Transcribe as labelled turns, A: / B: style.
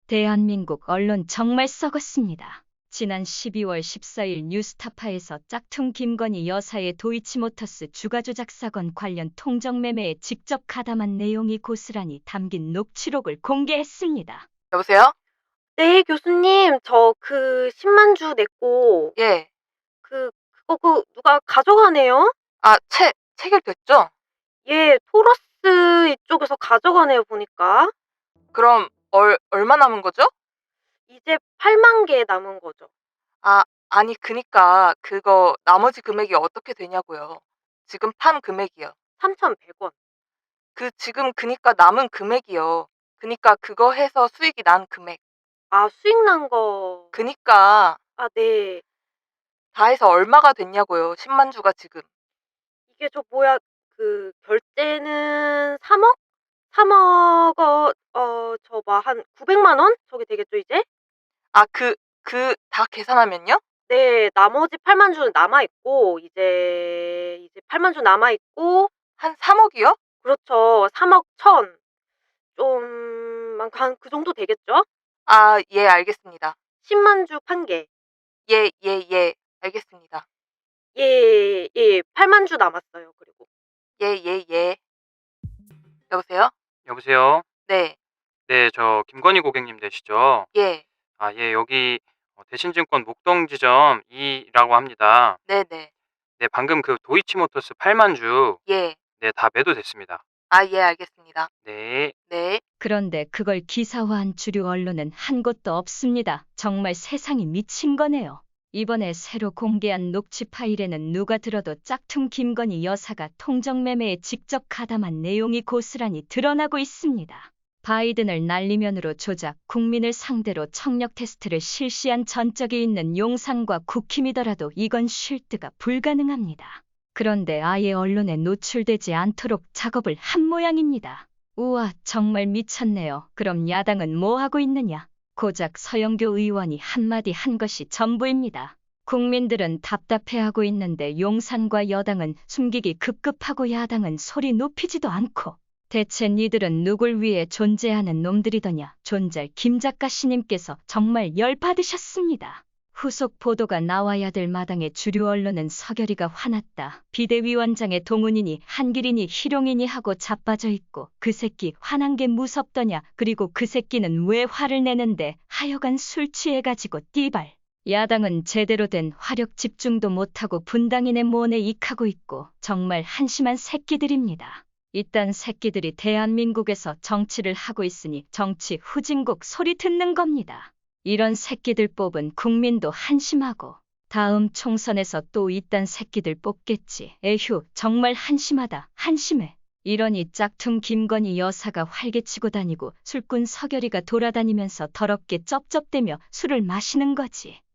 A: 대한민국 언론 정말 썩었습니다. 지난 12월 14일 뉴스타파에서 짝퉁 김건희 여사의 도이치모터스 주가조작 사건 관련 통정매매에 직접 가담한 내용이 고스란히 담긴 녹취록을 공개했습니다.
B: 여보세요?
C: 네, 교수님, 저 그 10만 주 냈고,
B: 예.
C: 그거 누가 가져가네요?
B: 아, 체결됐죠?
C: 예, 토러스 이쪽에서 가져가네요, 보니까.
B: 그럼 얼마 남은 거죠?
C: 이제 8만 개 남은 거죠.
B: 아니, 그니까 그거 나머지 금액이 어떻게 되냐고요. 지금 판 금액이요.
C: 3,100원.
B: 지금 그니까 남은 금액이요. 그니까 그거 해서 수익이 난 금액.
C: 아, 수익 난 거.
B: 그니까
C: 아, 네.
B: 다 해서 얼마가 됐냐고요. 10만 주가 지금.
C: 이게 결제는 3억? 3억, 한 900만 원? 저게 되겠죠, 이제?
B: 아, 다 계산하면요?
C: 네, 나머지 8만 주는 남아있고, 이제 8만 주 남아있고,
B: 한 3억이요?
C: 그렇죠. 3억 1천. 한 그 정도 되겠죠?
B: 아, 예, 알겠습니다.
C: 10만 주 판게.
B: 예, 예, 예. 알겠습니다.
C: 예, 예. 8만 주 남았어요, 그리고.
B: 예, 예, 예. 여보세요?
D: 여보세요?
B: 네,
D: 네, 저 김건희 고객님 되시죠?
B: 예,
D: 예, 여기 대신증권 목동지점 2라고 합니다.
B: 네네,
D: 네, 방금 그 도이치모터스 8만 주,
B: 예.
D: 네, 다 매도됐습니다.
B: 아, 예, 알겠습니다.
D: 네.
B: 네.
A: 그런데 그걸 기사화한 주류 언론은 한 곳도 없습니다. 정말 세상이 미친 거네요. 이번에 새로 공개한 녹취 파일에는 누가 들어도 짝퉁 김건희 여사가 통정매매에 직접 가담한 내용이 고스란히 드러나고 있습니다. 바이든을 날리면으로 조작, 국민을 상대로 청력 테스트를 실시한 전적이 있는 용산과 국힘이더라도 이건 쉴드가 불가능합니다. 그런데 아예 언론에 노출되지 않도록 작업을 한 모양입니다. 우와, 정말 미쳤네요. 그럼 야당은 뭐 하고 있느냐? 고작 서영교 의원이 한마디 한 것이 전부입니다. 국민들은 답답해하고 있는데 용산과 여당은 숨기기 급급하고 야당은 소리 높이지도 않고 대체 니들은 누굴 위해 존재하는 놈들이더냐? 존잘 김 작가 씨님께서 정말 열받으셨습니다. 후속 보도가 나와야 될 마당에 주류 언론은 서결이가 화났다. 비대위원장의 동훈이니 한길이니 희룡이니 하고 자빠져 있고 그 새끼 화난 게 무섭더냐. 그리고 그 새끼는 왜 화를 내는데 하여간 술 취해가지고 띠발. 야당은 제대로 된 화력 집중도 못하고 분당인의 모내 익하고 있고 정말 한심한 새끼들입니다. 이딴 새끼들이 대한민국에서 정치를 하고 있으니 정치 후진국 소리 듣는 겁니다. 이런 새끼들 뽑은 국민도 한심하고 다음 총선에서 또 이딴 새끼들 뽑겠지. 에휴, 정말 한심하다. 한심해. 이러니 짝퉁 김건희 여사가 활개치고 다니고 술꾼 서결이가 돌아다니면서 더럽게 쩝쩝대며 술을 마시는 거지.